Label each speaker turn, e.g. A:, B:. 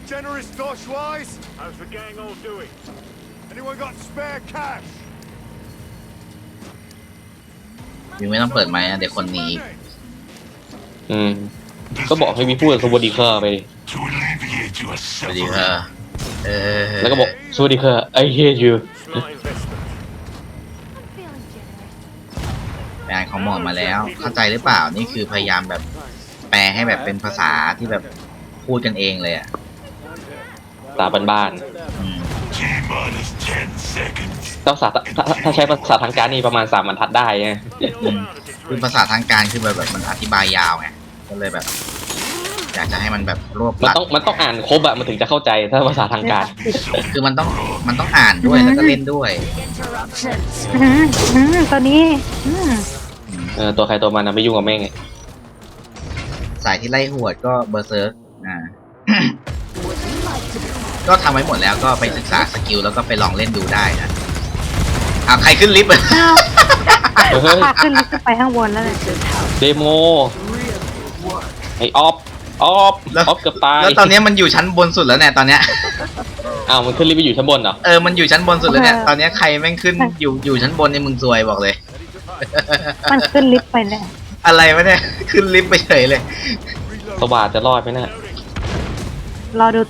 A: generous, Doshwise?
B: How's the gang all doing?
A: Anyone got spare cash?
C: ยังไม่ต้องเปิดไมค์นะเดี๋ยวคนหนีอีก
D: ก็บอกให้มีพูดสวัสดีค่ะไปดิ
E: To alleviate your
C: สวัสดีค่ะ
E: suffering.
D: แล้วก็บอกสวัสดีค่ะ I hate you
B: Smart investment.
F: I'm feeling generous.
C: งานของหมอมาแล้ว เข้าใจหรือเปล่านี่คือพยายามแบบแปลให้แบบเป็นภาษาที่แบบพูดกันเองเลยอ่ะ
D: ภาษาบ้าน
C: อืม
E: T-minus 10 seconds.
D: ๆต้องถ้าใช้ภาษาทางการนี่ประมาณ3 บรรทัดได้ไง
C: อืมคือภาษาทางการคือแบบมันอธิบายยาวไงก็เลยแบบ อยากจะให้มันแบบรวบ
D: มัน
C: รัด
D: ต้องอ่านครบอะมันถึงจะเข้าใจถ้าภาษาทางการ
C: คือมันต้องอ่านด้วยแล้วก็เล่นด้วย
G: ตัวนี้
D: ตัวใครตัวมันนะไม่ยุ่งกับแม่งไง
C: สายที่ไล่หวดก็เบอร์เซิร์กก็ทำไว้หมดแล้วก็ไปศึกษาสกิลแล้วก็ไปลองเล่นดูได้นะเอาใครขึ้นลิฟต์
D: เฮ้ย
G: พาขึ้นลิฟต์ไปข้างบนแล้วเลย
D: เดโมไอออฟเกือบตาย
C: แล้วตอนนี้มันอยู่ชั้นบนสุดแล้วเนี่ยตอนเนี้ย
D: อ้าวมันขึ้นรีบไปอยู่ชั้นบนเหรอ
C: มันอยู่ชั้นบนสุดแล้วเนี่ยตอนเนี้ยใครแม่งขึ้นอยู่ชั้นบนในมึงซวยบอกเลย
G: มันขึ้นลิฟต์ไปแล้ว
C: อะไรวะเนี่ยขึ้นลิฟต์ไปเฉยเลย
D: สว่านจะรอดไหมน่ะ
G: รอดู